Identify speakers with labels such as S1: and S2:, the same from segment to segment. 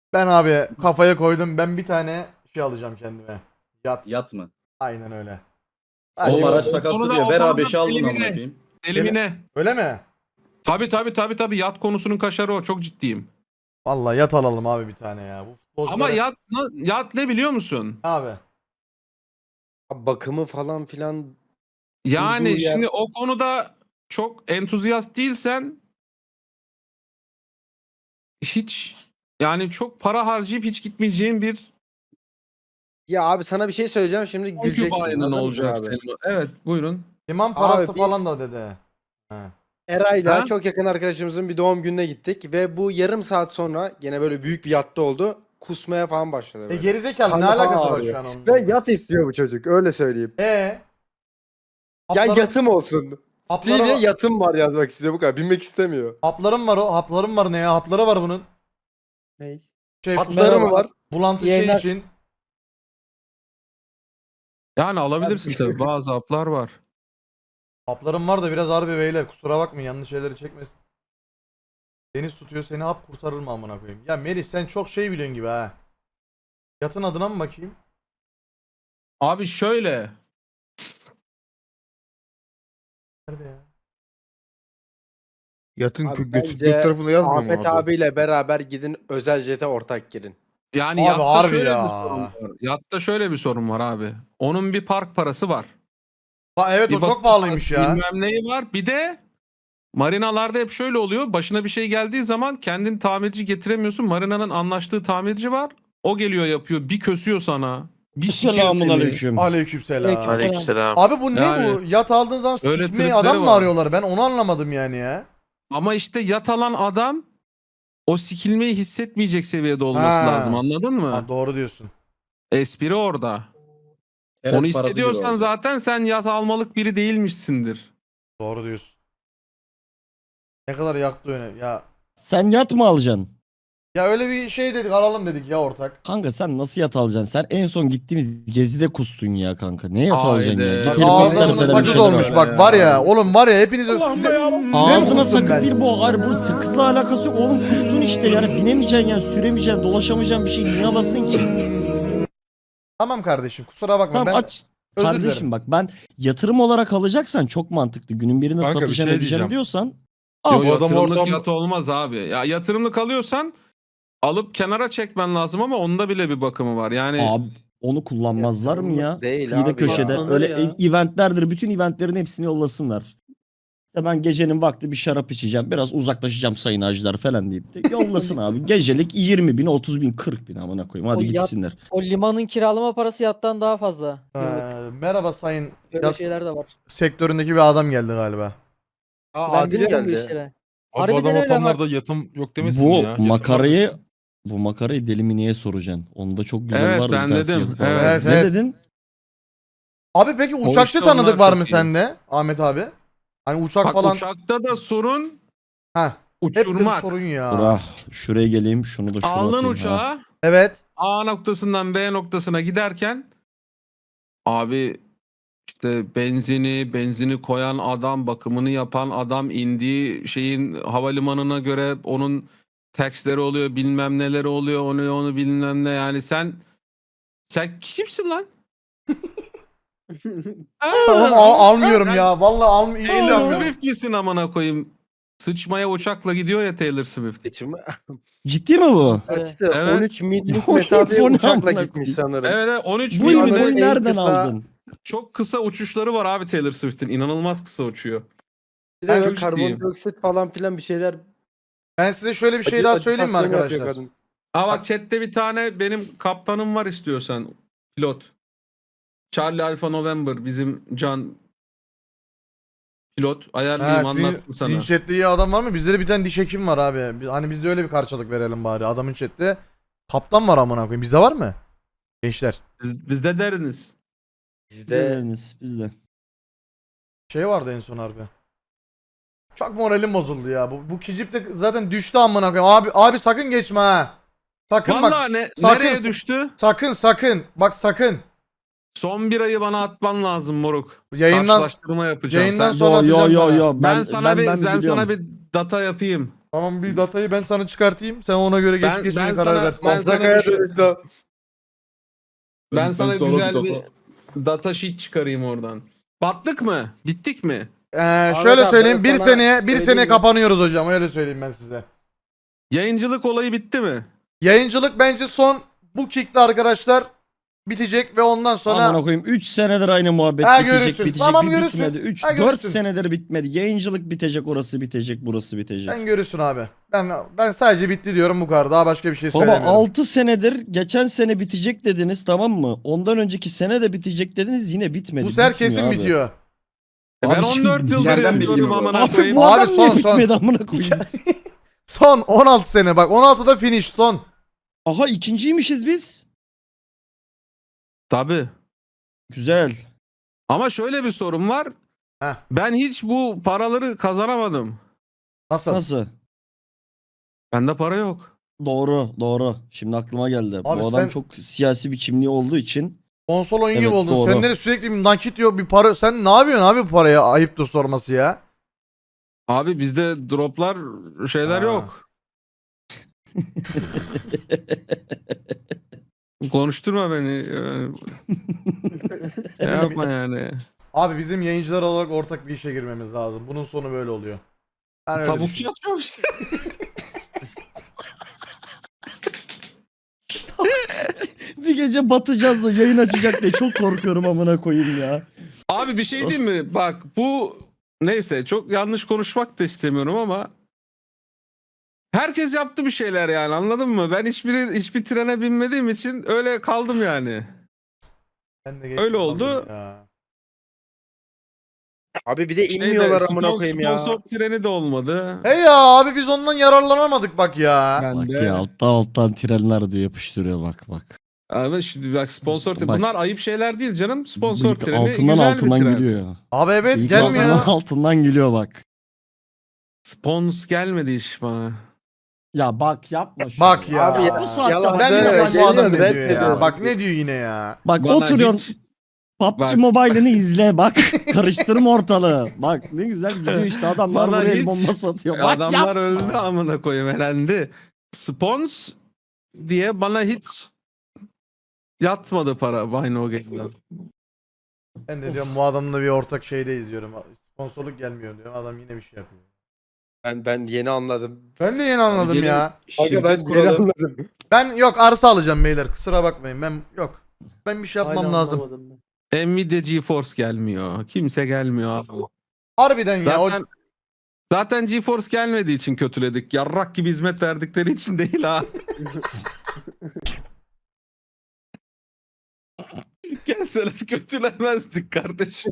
S1: Ben abi kafaya koydum. Ben bir tane şey alacağım kendime. Yat.
S2: Yat mı?
S1: Aynen öyle.
S2: Oğlum
S1: Hadi
S2: araç
S1: bakalım.
S2: takası diyor. Ver abi 5'i al bunu amına
S3: elimine.
S2: koyayım.
S3: Elimine.
S1: Öyle mi?
S3: Tabii yat konusunun kaşarı o, çok ciddiyim.
S1: Vallahi yat alalım abi bir tane ya. Bu
S3: Ama
S1: futbolculara...
S3: yat ne biliyor musun?
S1: Abi.
S4: Bakımı falan filan
S3: Yani
S4: durduğu yer-
S3: şimdi o konuda çok entuziyast değilsen hiç, yani çok para harcayıp hiç gitmeyeceğin bir
S4: Ya abi sana bir şey söyleyeceğim şimdi güleceksin.
S3: concubine
S4: Hazır mısın
S3: olacak
S4: abi?
S3: senin. Evet, buyurun.
S1: İmam parası
S4: Abi
S1: falan
S4: biz-
S1: da dedi. Ha.
S4: Eray'la
S3: Ha?
S4: çok yakın arkadaşımızın bir doğum gününe gittik ve bu yarım saat sonra gene böyle büyük bir yatta oldu. Kusmaya falan başladı böyle.
S1: Gerizekalı ne
S4: Karnı falan
S1: alakası var
S4: ağrıyor.
S1: şu an onun?
S5: Ve yat istiyor bu çocuk öyle söyleyeyim.
S4: Ya
S1: Hapları-
S4: yatım olsun.
S1: hapları
S4: Stevie
S1: var-
S4: yatım var yazmak istiyor bu kadar. Binmek istemiyor.
S1: Haplarım var o. Haplarım var ne ya? Hapları var bunun.
S5: Ney?
S1: Şey,
S4: Hatları mı var?
S1: bulantı şey
S5: Yayınlar-
S1: için.
S3: Yani alabilirsin tabii, bazı haplar var.
S1: Haplarım var da biraz harbi beyler. Kusura bakmayın yanlış şeyleri çekmesin. Deniz tutuyor seni, hap kurtarır mı amına koyayım? Ya Melih sen çok şey biliyorsun gibi ha. Yatın adına mı bakayım?
S3: Abi şöyle,
S1: Nerede ya?
S6: Yatın
S4: Abi
S6: göçük
S4: bence
S6: göt tarafında yazmıyor mu
S4: Ahmet
S6: abi?
S4: abiyle beraber gidin özel jete ortak girin.
S3: yani
S1: Abi
S3: yatta
S1: harbi
S3: şöyle
S1: ya.
S3: bir sorun var. Yatta şöyle bir sorun var abi. Onun bir park parası var.
S1: Evet
S3: Bir
S1: o çok
S3: bakım
S1: pahalıymış
S3: parası,
S1: ya.
S3: bilmem neyi var. Bir de marinalarda hep şöyle oluyor. Başına bir şey geldiği zaman kendin tamirci getiremiyorsun. Marinanın anlaştığı tamirci var. O geliyor yapıyor. Bir kösüyor sana. Bir sikiyor
S7: Selamun
S3: seni.
S7: aleyküm.
S1: Aleykümselam.
S8: Aleykümselam.
S1: Abi bu ne
S3: Yani-
S1: bu? Yat aldığın zaman
S3: Öyle
S1: sikmeyi
S3: tripleri
S1: adam mı
S3: var.
S1: arıyorlar? Ben onu anlamadım yani ya.
S3: Ama işte yat alan adam o sikilmeyi hissetmeyecek seviyede olması
S1: Ha.
S3: lazım. Anladın mı?
S1: Ha, doğru diyorsun.
S3: Espri orada.
S2: Çerez
S3: Onu
S2: parası gibi
S3: hissediyorsan
S2: oldu.
S3: zaten sen yat almalık biri değilmişsindir.
S1: Doğru diyorsun. Ne kadar yaktı öne.
S7: Sen yat mı alacaksın?
S1: Ya öyle bir şey dedik, alalım dedik ya ortak.
S7: Kanka sen nasıl yat alacaksın? Sen en son gittiğimiz gezide kustun ya kanka. Ne yat
S3: Haydi.
S7: alacaksın ya? Git
S3: Bak,
S7: helikopter
S1: Ağzına
S7: falan bir
S1: sakız
S7: şeyler
S1: olmuş
S7: al.
S1: bak var ya. Oğlum var ya hepinize
S7: Ağzına
S1: kustum
S7: sakız
S1: ben.
S7: değil bu. Hayır bu sakızla alakası yok. Oğlum kustun işte yani. Binemeyeceksin yani. Süremeyeceksin. Dolaşamayacaksın bir şey. Niye alasın ki?
S1: Tamam kardeşim kusura bakma
S7: Tamam
S1: ben
S7: aç.
S1: özür
S7: Kardeşim
S1: dilerim.
S7: bak ben yatırım olarak alacaksan çok mantıklı. Günün birinde
S6: Kanka, bir
S7: satacağım
S6: şey
S7: edeceğim
S6: diyeceğim.
S7: diyorsan
S3: Yo,
S7: al.
S6: Bu adam
S3: yatırımlık
S6: ortam-
S3: yat olmaz abi. Ya yatırımlık alıyorsan alıp kenara çekmen lazım ama onda bile bir bakımı var. Yani
S7: Abi onu kullanmazlar mı ya?
S4: Yatırımlık değil
S7: Kıyıda
S4: abi
S7: köşede.
S4: ya.
S7: Öyle
S5: Ya.
S7: eventlerdir. Bütün eventlerin hepsini yollasınlar. İşte ben gecenin vakti bir şarap içeceğim. Biraz uzaklaşacağım sayın hacılar falan deyip de yollasın abi. Gecelik 20 bin, 30 bin, 40 bin amına koyayım. Hadi
S9: O yat-
S7: gitsinler.
S9: O limanın kiralama parası yattan daha fazla. Yıllık.
S1: Merhaba sayın
S9: Böyle
S1: yat
S9: şeyler de var.
S1: sektöründeki bir adam geldi galiba.
S4: Aa,
S9: Ben
S4: Adil
S9: biliyorum bu
S4: geldi.
S9: işleri.
S6: Abi bu
S9: Harbiden
S6: adam
S9: öyle bak.
S6: ortamlarda yatım yok demesin
S7: Bu
S6: ya. Yatım
S7: makarayı
S6: neredesin?
S7: bu makarayı deli mi niye soracaksın? Onda çok güzel
S3: Evet,
S7: var.
S3: ben
S7: bir tanesi
S3: dedim.
S7: yazık var.
S3: Evet,
S7: Ne
S1: evet.
S7: dedin?
S1: Abi peki
S3: O
S1: uçakçı
S3: işte
S1: tanıdık
S3: onlar
S1: var
S3: çok
S1: mı
S3: iyi.
S1: sende Ahmet abi? Hani uçak
S3: bak,
S1: falan.
S3: uçakta da sorun
S1: Heh. Hep de bir
S3: uçurmak.
S1: sorun ya.
S7: Dur ah, şuraya geleyim. Şunu da şuna
S3: Aldın
S7: atayım. Ha.
S3: uçağa
S1: Evet.
S3: A noktasından B noktasına giderken abi işte benzini koyan adam, bakımını yapan adam, indiği şeyin havalimanına göre onun taxleri oluyor, bilmem neleri oluyor, onu bilmem ne, yani sen kimsin lan?
S1: Tamam almıyorum ya. Vallahi
S3: Taylor
S1: almıyorum.
S3: Swift misin amına koyayım? Sıçmaya uçakla gidiyor ya Taylor Swift.
S4: Geçimi
S7: Ciddi mi bu?
S4: kaçtı.
S3: Evet.
S4: 13 millik
S7: Bu
S4: mesafeye
S7: info ne
S4: uçakla
S7: amına
S4: gitmiş
S7: koyayım?
S4: sanırım.
S3: Evet, 13
S7: Bu
S3: bin
S4: Anadolu
S7: infoyu
S4: en
S7: nereden
S4: kısa-
S7: aldın?
S3: çok kısa uçuşları var abi Taylor Swift'in. İnanılmaz kısa uçuyor.
S4: Bir
S3: Ben
S4: de
S3: çok ciddiyim.
S4: karbondioksit falan filan bir şeyler.
S1: Ben size şöyle bir şey daha söyleyeyim mi
S4: acitasyon yapıyor
S1: arkadaşlar?
S4: kadın.
S3: Aa bak, chatte bir tane benim kaptanım var istiyorsan. Pilot. Charlie Alpha November bizim can pilot. Ayarlayayım, anlatsın sana.
S1: Sizin chatte iyi adam var mı? Bizde de bir tane diş hekim var abi. Hani biz de öyle bir karşılık verelim bari. Adamın chatte kaptan var amına koyayım. Bizde var mı? Gençler.
S3: Bizde deriniz.
S4: Bizde
S7: Bizde.
S1: Şey vardı en son harbi. Çok moralim bozuldu ya. Bu kicip de zaten düştü amına koyayım. Abi sakın geçme ha. Sakın bak.
S3: Vallahi
S1: sakın-
S3: nereye düştü?
S1: Sakın. Bak sakın.
S3: Son bir ayı bana atman lazım moruk.
S1: Yayından
S3: Karşılaştırma yapacağım.
S1: yayından
S3: Sen-
S1: sonra
S7: Yo yo
S1: atacağım
S7: yo
S1: sana.
S7: yo.
S3: ben sana
S7: biliyorum.
S3: bir data yapayım.
S1: Tamam bir datayı ben sana çıkartayım. Sen ona göre
S3: Ben-
S1: geçmeye
S3: ben
S1: karar
S3: sana-
S1: ver.
S3: ben sana
S4: Mansakaya
S3: bir şey-
S4: dönüştü o.
S3: Ben sana
S2: sonra
S3: güzel
S2: bir
S3: bir data sheet çıkarayım oradan. Battık mı? Bittik mi?
S1: Şöyle
S4: abi,
S1: söyleyeyim.
S4: ben
S1: Bir
S4: sana
S1: seneye
S4: söyleyeyim mi?
S1: kapanıyoruz hocam. Öyle söyleyeyim ben size.
S3: Yayıncılık olayı bitti mi?
S1: Yayıncılık bence son bu kickte arkadaşlar bitecek ve ondan sonra
S7: Amına koyayım 3 senedir aynı muhabbet
S1: Ha,
S7: bitecek
S1: görürsün.
S7: bitecek
S1: Tamam,
S7: bir
S1: görürsün.
S7: bitmedi. 3
S1: Ha,
S7: 4
S1: görürsün.
S7: senedir bitmedi. Yayıncılık bitecek, orası bitecek, burası bitecek.
S1: sen görürsün abi. Ben sadece bitti diyorum bu kadar. Daha başka bir şey
S7: Baba
S1: söylemiyorum.
S7: 6 senedir geçen sene bitecek dediniz, tamam mı? Ondan önceki sene de bitecek dediniz, yine bitmedi.
S1: Bu sefer
S7: Bitmiyor
S1: kesin
S7: abi.
S1: bitiyor.
S3: Ben
S7: Abi
S3: 14 yıldır
S2: içeriden
S3: yapıyorum
S2: bilgi bu.
S3: amına
S7: Abi
S3: koyayım.
S7: bu
S1: Abi
S7: adam niye
S1: son.
S7: bitmedi amına koyayım?
S1: Son 16 sene bak. 16'da finish son.
S7: Aha ikinciymişiz biz.
S3: Tabii.
S7: Güzel.
S3: Ama şöyle bir sorun var.
S1: Heh.
S3: Ben hiç bu paraları kazanamadım.
S1: Nasıl?
S7: Nasıl?
S3: Bende para yok.
S7: Doğru, doğru. Şimdi aklıma geldi.
S1: Abi
S7: Bu adam
S1: sen-
S7: çok siyasi bir kimliği olduğu için
S1: Konsol oyun gibi
S7: Evet,
S1: oldun.
S7: doğru.
S1: Sende de sürekli bir nakit yok bir para. Sen ne yapıyorsun abi bu paraya? Ayıptır sorması ya.
S3: Abi bizde droplar şeyler
S1: Ha.
S3: yok. Konuşturma beni. Yapma yani.
S1: Abi bizim yayıncılar olarak ortak bir işe girmemiz lazım. Bunun sonu böyle oluyor. Ben öyle
S3: Tavukçu
S1: düşünüyorum.
S3: yapıyorum işte.
S7: bir gece batacağız da yayın açacak diye çok korkuyorum amına koyayım ya.
S3: Abi bir şey diyeyim mi? Bak bu neyse çok yanlış konuşmak da istemiyorum ama herkes yaptı bir şeyler yani anladın mı? Ben hiçbir trene binmediğim için öyle kaldım yani.
S1: Ben de
S3: Öyle
S1: geçtim
S3: oldu.
S1: kaldım ya.
S4: Abi bir de
S3: Şeyde,
S4: inmiyorlar amına koyayım ya.
S3: Sponsor treni de olmadı.
S1: Hey ya abi biz ondan yararlanamadık bak ya.
S3: Ben
S7: Bak
S3: de.
S7: ya alttan trenler diyor, yapıştırıyor bak.
S3: Abi şimdi bak sponsor treni.
S7: Bak.
S3: Bunlar ayıp şeyler değil canım. Sponsor
S7: Bıyık
S3: treni
S7: altından
S3: güzel bir tren.
S7: gülüyor ya.
S1: Abi evet
S7: Bıyık
S1: gelmiyor.
S7: altından gülüyor bak.
S3: Spons gelmedi iş bana.
S7: Ya bak yapma şunu.
S1: Bak ya.
S4: Abi ya,
S7: Bu saatte
S4: yalan
S1: Ben de
S4: söyleme,
S1: bak bu adam ne
S4: geliyor,
S1: diyor ya.
S4: reddediyor.
S1: Bak ne diyor yine ya.
S7: Bak
S3: Bana
S7: oturuyorsun
S3: hiç-
S7: PUBG
S3: Bak.
S7: Mobile'ını izle bak. Karıştırma ortalığı. Bak ne güzel gidiyor işte, adamlar
S3: Bana
S7: buraya el
S3: hiç-
S7: bombası atıyor. Bak
S3: Adamlar
S7: yapma.
S3: öldü amına koyayım elendi. Spons diye bana hiç yatmadı para Buy No Game'den.
S1: Ben de diyorum bu adamla bir ortak şeyde izliyorum. Sponsorluk gelmiyor diyorum. Adam yine bir şey yapıyor.
S4: Ben yeni anladım.
S1: Ben de yeni anladım
S2: Gelin
S1: ya.
S4: Aga
S2: şirket
S4: ben yeni
S2: kuralım.
S4: anladım.
S1: Ben yok arsa alacağım beyler. Kusura bakmayın. Ben yok. Ben bir şey yapmam
S5: Hala
S1: lazım.
S5: anlamadım ben.
S3: Nvidia GeForce gelmiyor. Kimse gelmiyor abi.
S1: Harbiden ya.
S3: Zaten GeForce gelmediği için kötüledik. Yarrak gibi hizmet verdikleri için değil ha. Gelseler kötülemezdik kardeşim.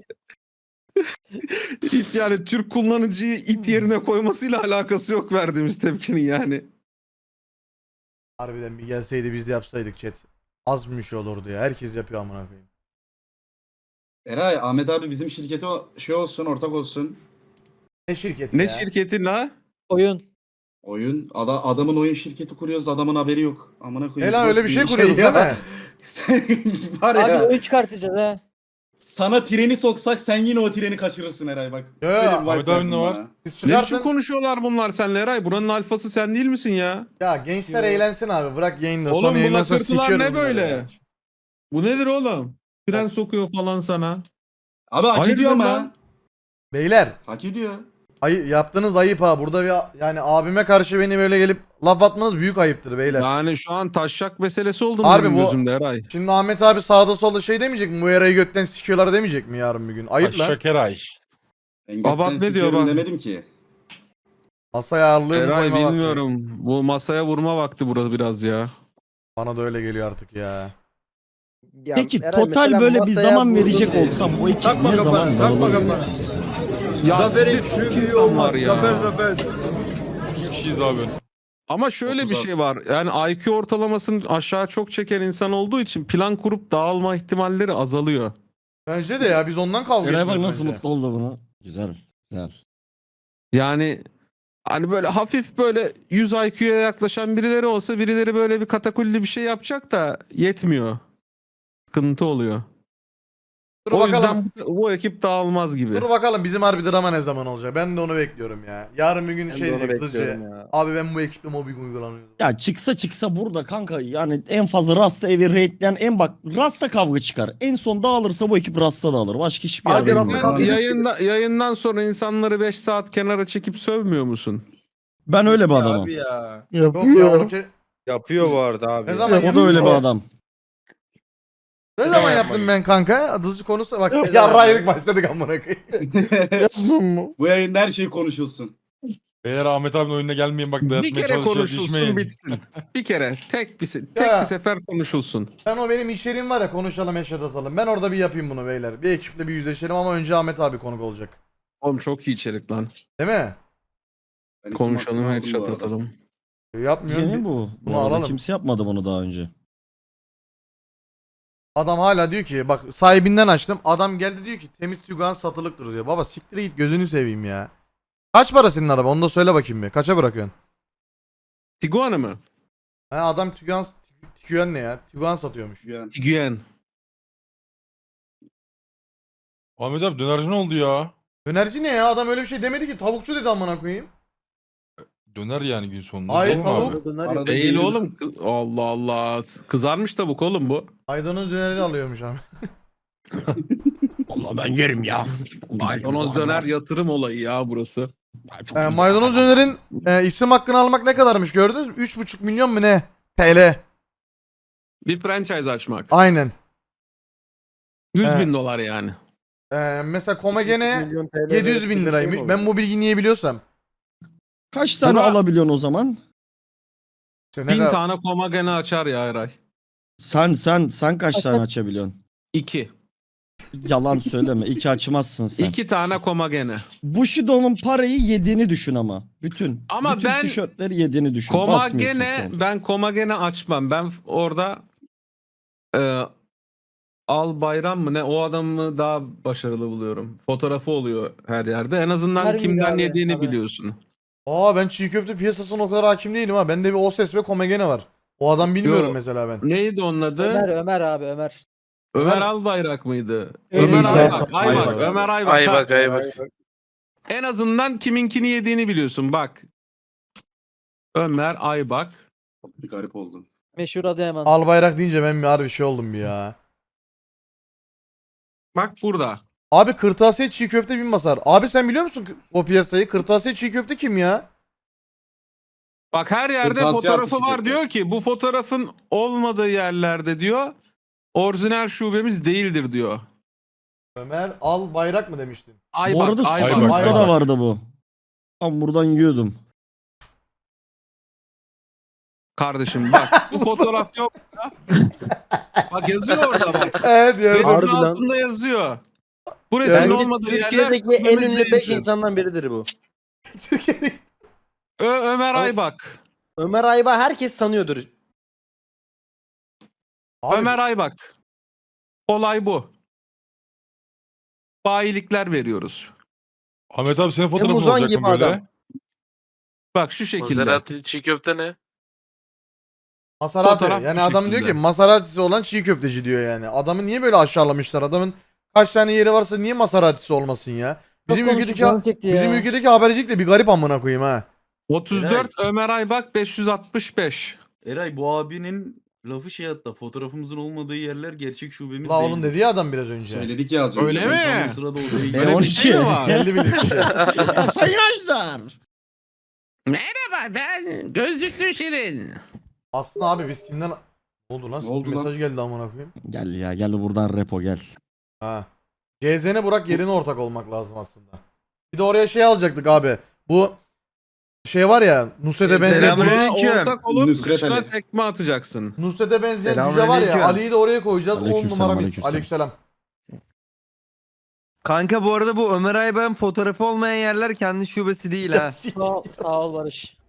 S3: Hiç yani Türk kullanıcıyı it yerine koymasıyla alakası yok verdiğimiz tepkinin yani.
S1: Harbiden bir gelseydi biz de yapsaydık chat. Az bir şey olurdu ya. Herkes yapıyor amına koyayım.
S2: Eray, Ahmet abi bizim şirkete şey olsun, ortak olsun.
S1: Ne şirketi
S3: Ne
S1: ya?
S3: şirketin la?
S9: Oyun.
S2: Oyun. Adamın oyun şirketi kuruyoruz, adamın haberi yok. Amına koyayım.
S1: Lan öyle bir şey kuruyorduk
S2: ya.
S1: değil mi?
S2: Sen var
S9: Abi
S2: ya.
S9: oyun çıkartacağız ha.
S2: Sana treni soksak sen yine o treni kaçırırsın Eray bak.
S1: Yo,
S2: Böyle bir
S1: Ahmet
S2: vibe
S6: abi
S2: verdin
S6: ne var?
S2: bana.
S1: Siz
S3: Ne biçim
S1: çıkartın.
S3: konuşuyorlar bunlar senle Eray? Buranın alfası sen değil misin ya?
S1: Ya gençler
S9: Yo.
S1: eğlensin abi. Bırak yayında.
S3: Oğlum
S1: Sonra
S3: bu
S1: yayından sonra
S3: lakırtılar
S1: sikiyorum
S3: ne
S1: bunları
S3: böyle?
S1: ya.
S3: Bu nedir oğlum? Tren sokuyor falan sana.
S2: Abi hak
S3: Hayırdır
S2: ediyor ama.
S3: lan?
S1: Beyler.
S2: Hak ediyor.
S1: Yaptığınız ayıp ha. Burada bir yani abime karşı beni böyle gelip laf atmanız büyük ayıptır beyler.
S3: Yani şu an taşak meselesi oldu
S1: Harbi
S3: benim
S1: bu-
S3: gözümde Eray.
S1: Şimdi Ahmet abi sağda solda şey demeyecek mi? Bu yarayı götten sikiyorlar demeyecek mi yarın bir gün? Ayıp lan.
S6: Şakeray.
S2: Ben
S3: Babat
S2: gökten
S3: ne diyor
S2: sikiyorum
S3: bak?
S2: demedim ki.
S1: Masaya ağırlığı mı
S3: Eray
S1: koyma vakti?
S3: bilmiyorum. Bu masaya vurma vakti burada biraz ya.
S1: Bana da öyle geliyor artık ya.
S4: Ya
S7: Peki
S4: Eray,
S7: total
S4: mesela
S7: böyle bir
S4: masaya
S7: zaman
S4: vurdun
S7: verecek
S4: diye.
S7: olsam bu ekip ne zaman dağılır?
S3: Ya sizde çok insan var ya.
S6: Kişiyiz abi.
S3: Ama şöyle
S2: 30
S3: bir
S2: az.
S3: şey var. Yani IQ ortalamasını aşağı çok çeken insan olduğu için plan kurup dağılma ihtimalleri azalıyor.
S1: Bence de ya biz ondan kavga
S7: Eray bak
S1: ediyoruz
S7: nasıl
S1: bence.
S7: mutlu oldu buna. Güzel. Güzel.
S3: Yani hani böyle hafif böyle 100 IQ'ya yaklaşan birileri olsa birileri böyle bir katakulli bir şey yapacak da yetmiyor. Sıkıntı oluyor.
S1: Dur
S3: O
S1: bakalım.
S3: yüzden bu ekip dağılmaz gibi.
S1: Dur bakalım bizim harbi drama ne zaman olacak. Ben de onu bekliyorum ya. Yarın bir gün
S4: Ben
S1: şey
S4: de onu
S1: diyecek
S4: bekliyorum
S1: Dızcı.
S4: ya.
S1: Abi ben bu ekiple mobbing uygulanıyorum.
S7: Ya çıksa burada kanka yani en fazla Rasta evi raidleyen en bak Rasta kavga çıkar. En son dağılırsa bu ekip Rasta dağılır. Başka hiçbir
S3: Abi
S7: yerde
S2: Abi
S7: bilmiyorum.
S2: sen-
S3: sen yayından sonra insanları 5 saat kenara çekip sövmüyor musun?
S7: Ben öyle bir adamım.
S6: Abi ya.
S1: Yok ya onu
S4: Yapıyor bu arada abi.
S1: Ne
S4: ya.
S1: zaman
S7: O da öyle bir adam.
S1: Ne
S4: Ne
S1: zaman
S4: zaman
S1: yaptım
S4: yapmak
S1: ben kanka? Dızcı konusu bak
S4: zaman
S1: yarraydık başladık amına koyayım.
S2: Bu yayında her şey konuşulsun.
S6: Beyler Ahmet abinin oyununa gelmeyin bak
S3: Bir
S6: dağıtmaya
S3: kere
S6: çalışıyor
S3: konuşulsun
S6: düşmeyin.
S3: bitsin. Bir kere tek
S1: Ya.
S3: bir sefer konuşulsun.
S1: Ben o benim içeriğim var ya konuşalım eşat atalım. Ben orada bir yapayım bunu beyler. Bir ekiple bir yüzleşelim ama önce Ahmet abi konuk olacak.
S3: Oğlum çok iyi içerik lan.
S1: Değil mi?
S2: Ben isim
S3: Konuşalım
S2: hakkını aldım bu
S3: headshot
S2: arada.
S3: atalım.
S1: Yapmıyorum.
S7: Yeni bu.
S1: Bunu
S7: Bu arada
S1: alalım.
S7: kimse yapmadı bunu daha önce.
S1: Adam hala diyor ki bak sahibinden açtım. Adam geldi diyor ki temiz Tiguan satılıktır diyor. Baba siktir git gözünü seveyim ya. Kaç para senin araba? Onu da söyle bakayım bir. Kaça bırakıyorsun?
S3: Tiguan'ı mı?
S1: Ha adam Tiguan ne ya? Tiguan satıyormuş.
S2: Yani
S3: Tiguan.
S6: Ahmet abi dönerci ne oldu ya?
S1: Dönerci ne ya? Adam öyle bir şey demedi ki. Tavukçu dedi amına koyayım.
S6: Döner yani gün sonunda.
S1: Hayır,
S6: Değil mi abi?
S1: tavuk.
S2: arada
S3: Değil
S2: gelir-
S3: oğlum. Allah Allah. Kızarmış tavuk oğlum bu.
S1: Maydanoz döneri alıyormuş abi.
S7: Allah ben yerim ya.
S3: Maydanoz döner yatırım olayı ya burası.
S1: Maydanoz dönerin isim hakkını almak ne kadarmış gördünüz mü? 3,5 milyon mu ne? TL.
S3: Bir franchise açmak.
S1: Aynen.
S3: 100
S1: Evet.
S3: bin dolar yani.
S1: Mesela Komagene
S4: milyon TL
S1: 700
S4: verip
S1: bin
S4: bir şey
S1: liraymış.
S4: mi
S1: Ben
S4: olur?
S1: bu bilgiyi niye biliyorsam.
S7: Kaç tane
S3: Buna-
S7: alabiliyorsun o zaman?
S1: İşte ne
S3: 1000
S1: kadar-
S3: tane Komagene açar ya Eray.
S7: Sen kaç tane açabiliyorsun?
S3: 2.
S7: Yalan söyleme. 2 açmazsın sen.
S3: 2 tane Komagene.
S7: Bushido'nun parayı yediğini düşün ama. Bütün.
S3: Ama
S7: bütün
S3: ben-
S7: tişörtleri yediğini düşün. Basmıyorsun
S3: Komagene
S7: kol.
S3: ben Komagene açmam. Ben orada Al Bayram mı ne o adamı daha başarılı buluyorum. Fotoğrafı oluyor her yerde. En azından
S9: Harbi
S3: kimden
S9: abi,
S3: yediğini
S9: tabii.
S3: biliyorsun.
S1: Ben çiğ köfte piyasasına o kadar hakim değilim ha. Bende bir Oses ve Komagene var. O adam bilmiyorum
S3: Yo.
S1: mesela ben.
S3: Neydi onun adı?
S9: Ömer abi Ömer.
S3: Ömer Albayrak mıydı?
S9: Öyle
S3: Ömer
S9: bir
S7: şey.
S3: Aybak.
S7: Aybak abi.
S3: Ömer Aybak.
S8: Aybak
S3: Ha.
S8: Aybak.
S3: En azından kiminkini yediğini biliyorsun bak. Ömer Aybak.
S2: Bir garip oldu.
S9: Meşhur Adıyaman.
S1: Albayrak deyince ben bir harbi şey oldum bir ya.
S3: Bak burada.
S1: Abi kırtasiye çiğ köfte bin basar. Abi sen biliyor musun o piyasayı? Kırtasiye çiğ köfte kim ya?
S3: Bak her yerde
S2: Kırtasiye
S3: fotoğrafı
S2: artışı
S3: var
S2: köfte.
S3: diyor ki bu fotoğrafın olmadığı yerlerde diyor orijinal şubemiz değildir diyor.
S1: Ömer Albayrak mı demiştin?
S7: Bu
S3: Aybak,
S7: arada
S3: Aybak.
S7: Sucuk'ta
S1: Aybak.
S7: da vardı bu. Tam buradan yiyordum.
S3: Kardeşim bak bu fotoğraf yok. Bak yazıyor orada bak.
S1: Evet
S3: Resmin
S4: Harbiden.
S3: altında yazıyor. Bu resmin
S4: Bence
S3: olmadığı yerler
S4: Türkiye'deki en
S3: şubemiz
S4: ünlü 5
S3: değildir.
S4: insandan biridir bu.
S1: Türkiye'de.
S3: Ömer Aybak.
S4: Ömer Ayba herkes tanıyordur.
S1: Abi,
S3: Ömer Aybak. Olay bu. Bayilikler veriyoruz.
S6: Ahmet abi senin fotoğrafın
S4: Muzan
S6: olacak
S4: gibi
S6: mı böyle?
S4: adam.
S3: Bak şu şekilde.
S8: Maserati çiğ köfte ne?
S1: Maserati.
S3: Fotoğraf
S1: Yani
S3: bu
S1: adam diyor
S3: şekilde.
S1: ki Maseratisi olan çiğ köfteci diyor yani. Adamı niye böyle aşağılamışlar? Adamın kaç tane yeri varsa niye Maseratisi olmasın ya? Bizim
S9: Çok konuştuk,
S1: ülkedeki
S9: canım çekti ya.
S1: bizim ülkedeki habercilik de bir garip amına koyayım ha.
S3: 34 Ömer Aybak 565.
S10: Eray bu abinin lafı şey hatta fotoğrafımızın olmadığı yerler gerçek şubemiz
S1: La
S10: değil.
S1: oğlum dedi ya adam biraz önce.
S2: Söyledik ya az önce.
S3: Öyle mi?
S10: Tam o sırada odaya
S3: Öyle
S10: girdim.
S3: bir şey mi var?
S1: Geldi bildik bir şey.
S7: Ya sayın Ajdar.
S3: Merhaba ben Gözlüklü Şirin.
S1: Aslında abi biz kimden... Ne oldu lan?
S2: Ne oldu
S1: Mesaj
S2: lan?
S1: geldi amına koyayım.
S7: Gel ya gel buradan repo gel.
S1: Ha. CZN Burak yerine ortak olmak lazım aslında. Bir de oraya şey alacaktık abi. Bu şey var ya Nusret'e benzeyen
S8: Selamünaleyküm.
S3: Ortak olup
S2: Nusret
S3: kışına
S2: Ali.
S3: tekme atacaksın.
S1: Nusret'e benzeyen cüce var
S8: Selamünaleyküm.
S1: ya Ali'yi de oraya koyacağız. 10
S7: Aleykümselam,
S1: numara mis.
S7: aleykümselam.
S1: Aleykümselam.
S8: Kanka bu arada bu Ömer Aybak'ın fotoğrafı olmayan yerler kendi şubesi değil ha.
S9: Sağ ol Barış.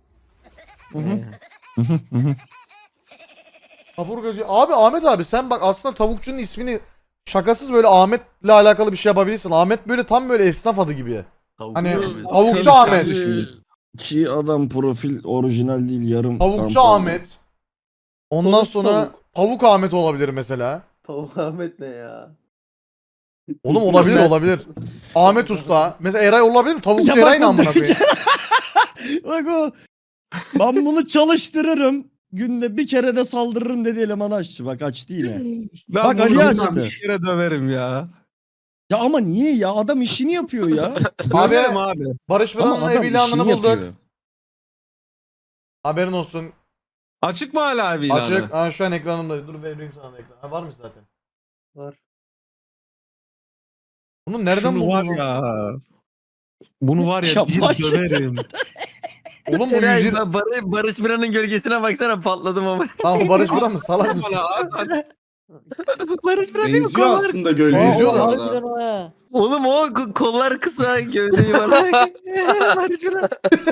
S1: Kaburgacı. Abi Ahmet abi sen bak aslında tavukçunun ismini şakasız böyle Ahmet'le alakalı bir şey yapabilirsin. Ahmet böyle tam böyle esnaf adı gibi. Hani
S10: Tavukçu abi.
S1: tavukçu Ahmet.
S7: Ki adam profil orijinal değil yarım.
S1: Tavukçu
S7: tampon.
S1: Ahmet. Ondan
S4: Tavuk
S1: sonra tavuk Ahmet olabilir mesela.
S4: Tavuk Ahmet ne ya?
S1: Oğlum olabilir olabilir. Ahmet Usta. Mesela Eray olabilir mi? Tavukçu
S7: Ya bak
S1: Eray ne
S7: bu
S1: amına koyayım?
S7: Bak o. Ben bunu çalıştırırım. Günde bir kere de saldırırım dedi eleman aşçı. Bak açtı yine.
S3: Ben
S7: Bak
S3: bunu
S7: Ali
S3: buradan
S7: açtı.
S3: bir kere döverim ya.
S7: Ya ama niye ya? Adam işini yapıyor ya.
S3: Döverim abi.
S1: Barış
S7: Ama
S1: Fıran'ın
S7: adam
S1: ev ilanını
S7: işini
S1: bulduk.
S7: yapıyor.
S1: Haberin olsun.
S3: Açık mı hala ev ilanı?
S1: Açık. Ha, şu an ekranımda. Dur vereyim sana da ekran. Ha, var mı zaten?
S5: Var.
S1: Bunu nereden
S3: Şunu var
S1: buldun?
S3: ya. Bunu var ya
S7: Ya
S3: bir
S7: bak-
S3: döverim.
S1: Oğlum bu
S8: Eray,
S1: 120...
S8: ben Barış Biran'ın gölgesine baksana patladım ama.
S1: Tamam bu Barış Fıran mı? Salak mısın?
S8: Barış Biran değil mi?
S2: Benziyor
S8: Kollar.
S2: aslında gölgeye
S1: Benziyor
S2: bu
S1: da.
S2: arada.
S9: Harbiden o ha.
S8: Oğlum o kollar kısa gövdeyi var. Barış Biran.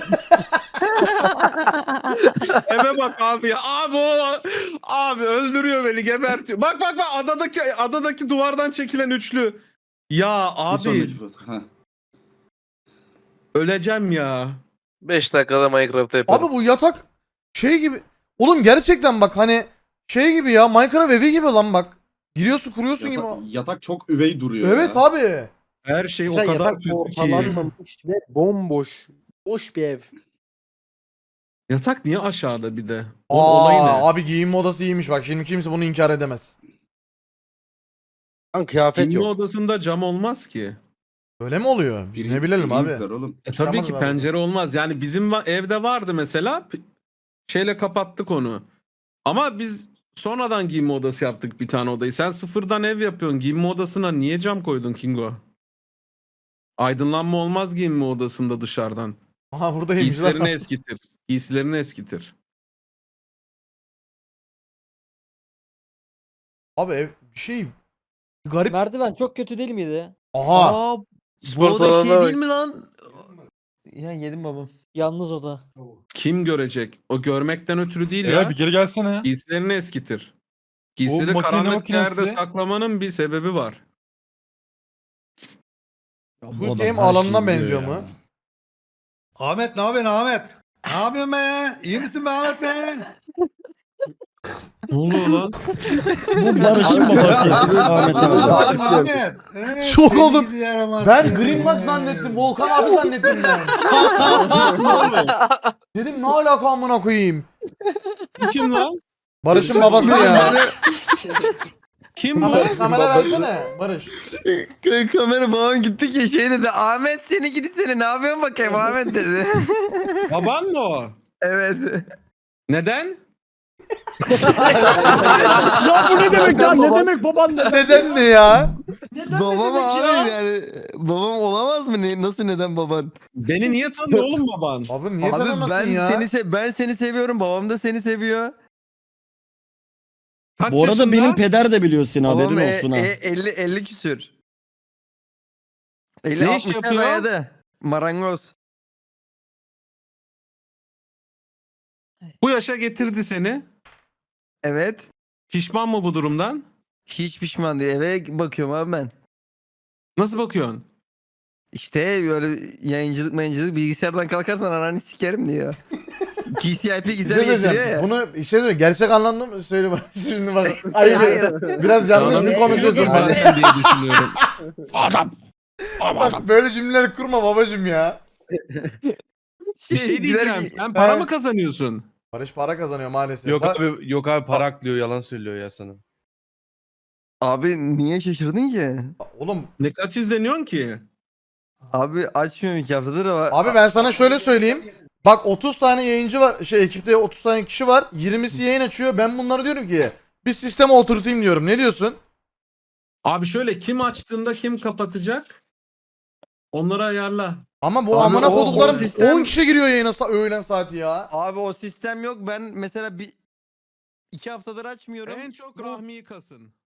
S3: Eve bak abi ya. Abi o. Abi öldürüyor beni gebertiyor. Bak bak bak adadaki duvardan çekilen üçlü. Ya
S2: Bir
S3: abi
S2: sonraki foto. Ha.
S3: öleceğim ya.
S11: 5 dakikada Minecraft yaparım.
S1: Abi bu yatak şey gibi. Oğlum gerçekten bak hani şey gibi ya. Minecraft evi gibi lan bak. Giriyorsun kuruyorsun gibi.
S2: Yatak çok üvey duruyor
S1: Evet
S2: ya.
S1: abi.
S3: Her şey o
S4: Mesela
S3: kadar
S4: yatak
S3: kötü ki.
S4: ortalanmamış ve bomboş. Boş bir ev.
S3: Yatak niye aşağıda bir de? Onun olayı ne?
S1: Abi giyinme odası iyiymiş bak. Şimdi kimse bunu inkar edemez.
S4: Lan kıyafet
S3: Giyinme
S4: yok.
S3: odasında cam olmaz ki.
S1: Öyle mi oluyor? Biz ne bilelim abi.
S2: İzler oğlum.
S3: Tabii
S1: Çıkamadım
S3: ki
S1: ben
S3: pencere olmaz. Yani bizim evde vardı mesela. Şeyle kapattık onu. Ama biz sonradan giyinme odası yaptık bir tane odayı. Sen sıfırdan ev yapıyorsun. Giyinme odasına niye cam koydun Kingo? Aydınlanma olmaz giyinme odasında dışarıdan.
S1: Aha buradaymış
S3: Giysilerini
S1: lan.
S3: eskitir. Giysilerini eskitir.
S1: Abi ev bir şey garip.
S9: Merdiven çok kötü değil miydi?
S1: Aha.
S8: Aa, bu
S11: Spor
S8: oda şey
S11: salonuna
S8: değil
S11: bak.
S8: mi lan? Ya yedim babam.
S9: Yalnız oda.
S3: Kim görecek? O görmekten ötürü değil
S6: Eray
S3: ya.
S6: bir geri gelsene ya.
S3: Giysilerini eskitir. Giysileri
S6: makine
S3: karanlık bir yerde
S6: makinesi.
S3: saklamanın bir sebebi var.
S7: Ya
S1: Quick
S7: bu adam
S1: Game
S7: her şeyi
S1: alanına
S7: biliyor
S1: benziyor
S7: ya.
S1: mu?
S12: Ahmet ne yapıyorsun Ahmet? Ne yapıyorsun be? İyi misin be Ahmet be?
S3: Ne oluyor lan?
S7: Bu Barış'ın babası. Ahmet abi.
S12: Ahmet. Evet,
S1: Şok
S12: seni
S1: oldum.
S12: gidi yaramaz
S1: Ben
S12: seni.
S1: Green Box zannettim. Volkan abi zannettim ben. Dedim ne alaka amına koyayım.
S3: Kim lan?
S1: Barış'ın babası ya.
S3: Kim bu?
S1: Barış kamera versene. Barış.
S8: Kamera babam gitti ki şey dedi. Ahmet seni gidi seni ne yapıyorsun bakayım Ahmet dedi.
S3: Baban mı o?
S8: Evet.
S3: Neden?
S7: Ya bu ne demek ya? Ne demek baban ne?
S1: Neden ne ya?
S8: Babam
S7: demek
S8: abi
S7: ya?
S8: yani babam olamaz mı? Nasıl neden baban?
S3: Beni niye tanıyor oğlum baban?
S1: Abi niye
S8: Abi
S1: tanımasın
S8: ben
S1: ya?
S8: ben seni seviyorum. Babam da seni seviyor.
S3: Kaç
S7: Bu arada
S3: yaşında?
S7: benim peder de biliyor seni
S8: Babam
S7: haberin olsun ha.
S8: 50 küsür. 50
S3: Ne iş
S8: 60'a
S3: yapıyor?
S8: dayadı. Marangoz.
S3: Bu yaşa getirdi seni.
S8: Evet.
S3: Pişman mı bu durumdan?
S8: Hiç pişman değil. Eve bakıyorum abi ben.
S3: Nasıl bakıyorsun?
S8: İşte böyle yayıncılık bilgisayardan kalkarsan ananı sikerim diyor. GCIP
S1: Bir şey
S8: güzel getiriyor
S1: söyleyeceğim.
S8: ya.
S1: Bunu bir şey söyleyeyim. Gerçek anlamda mı söyle bak. Şimdi bak.
S8: Hayır.
S1: Hayır. Biraz yanlış
S3: Adamı
S1: mı konuşuyorsun
S3: seviyorum
S1: bana?
S3: zaten diye düşünüyorum.
S7: Adam.
S1: Bak böyle cümleler kurma babacım ya.
S3: Bir şey diyeceğim. Sen para mı kazanıyorsun?
S1: Barış para kazanıyor maalesef.
S12: Yok
S1: Bak-
S12: abi yok abi para aklıyor yalan söylüyor ya sana.
S8: Abi niye şaşırdın ki?
S1: Oğlum
S3: Ne kaç izleniyorsun ki?
S8: Abi açmıyorum 2 haftadır ama.
S1: abi ben sana şöyle söyleyeyim. Bak 30 tane yayıncı var. Ekipte 30 tane kişi var. 20'si yayın açıyor. Ben bunları diyorum ki bir sisteme oturtayım diyorum. Ne diyorsun?
S3: Abi şöyle kim açtığında kim kapatacak? Onları ayarla.
S1: Ama bu
S8: Abi
S1: amına
S8: o
S1: koduklarım
S8: sistem-
S1: 10 kişi giriyor yayına öğlen saati ya.
S8: Abi o sistem yok. Ben mesela 2 haftadır açmıyorum.
S3: En çok
S8: Bu-
S3: Rahmi'yi kasın.